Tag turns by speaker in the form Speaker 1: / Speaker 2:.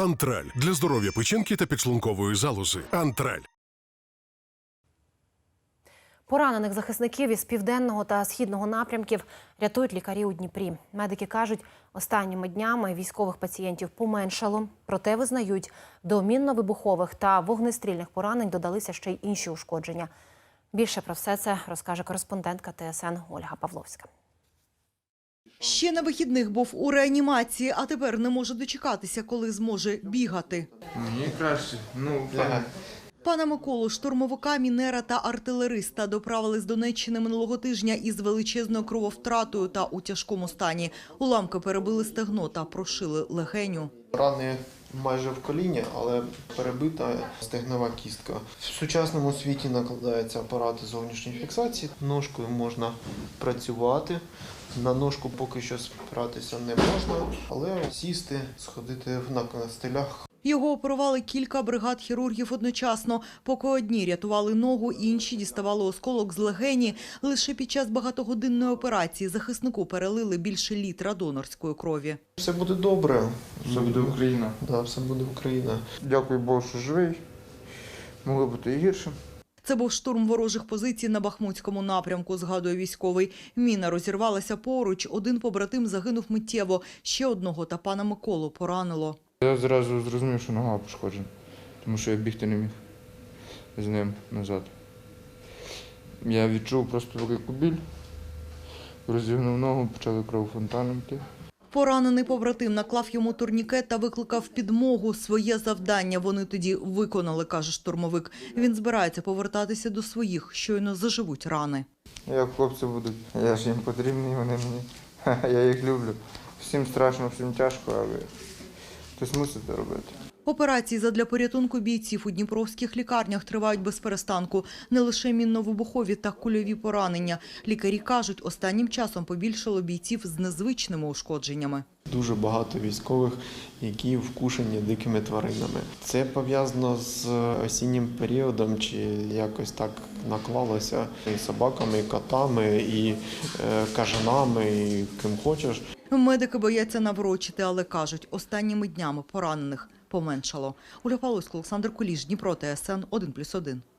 Speaker 1: Антраль – для здоров'я печінки та підшлункової залози. Антраль.
Speaker 2: Поранених захисників із південного та східного напрямків рятують лікарі у Дніпрі. Медики кажуть, останніми днями військових пацієнтів поменшало. Проте визнають, до мінно-вибухових та вогнестрільних поранень додалися ще й інші ушкодження. Більше про все це розкаже кореспондентка ТСН Ольга Павловська.
Speaker 3: Ще на вихідних був у реанімації, а тепер не може дочекатися, коли зможе бігати.
Speaker 4: Мені краще.
Speaker 3: Пана Миколу, штурмовика, мінера та артилериста, доправили з Донеччини минулого тижня із величезною крововтратою та у тяжкому стані. Уламки перебили стегно та прошили легеню.
Speaker 5: Рани майже в коліні, але перебита стегнова кістка. В сучасному світі накладаються апарати зовнішньої фіксації. Ножкою можна працювати. На ножку поки що спиратися не можна, але сісти, сходити на костелях.
Speaker 3: Його оперували кілька бригад хірургів одночасно. Поки одні рятували ногу, інші діставали осколок з легені. Лише під час багатогодинної операції захиснику перелили більше літра донорської крові.
Speaker 5: Все буде добре.
Speaker 4: Все буде Україна.
Speaker 5: Да, все буде Україна.
Speaker 4: Дякую Богу, що живий. Могло бути і гірше.
Speaker 3: Це був штурм ворожих позицій на Бахмутському напрямку, згадує військовий. Міна розірвалася поруч, один побратим загинув миттєво, ще одного та пана Миколу поранило.
Speaker 4: Я зразу зрозумів, що нога пошкоджена, тому що я бігти не міг з ним назад. Я відчув просто велику біль, розігнув ногу, почали кров фонтаном йти.
Speaker 3: Поранений побратим наклав йому турнікет та викликав підмогу. Своє завдання вони тоді виконали, каже штурмовик. Він збирається повертатися до своїх, щойно заживуть рани.
Speaker 4: Як хлопці будуть, я ж їм потрібний, вони мені. Я їх люблю. Всім страшно, всім тяжко, але хтось мусить це робити.
Speaker 3: Операції задля порятунку бійців у дніпровських лікарнях тривають без перестанку. Не лише мінно-вибухові та кульові поранення. Лікарі кажуть, останнім часом побільшало бійців з незвичними ушкодженнями.
Speaker 5: Дуже багато військових, які вкушені дикими тваринами. Це пов'язано з осіннім періодом, чи якось так наклалося і собаками, і котами, і кажанами, і ким хочеш.
Speaker 3: Медики бояться наврочити, але кажуть, останніми днями поранених поменшало. Ольга Павловська, Олександр Куліш, Дніпро, ТСН 1+1.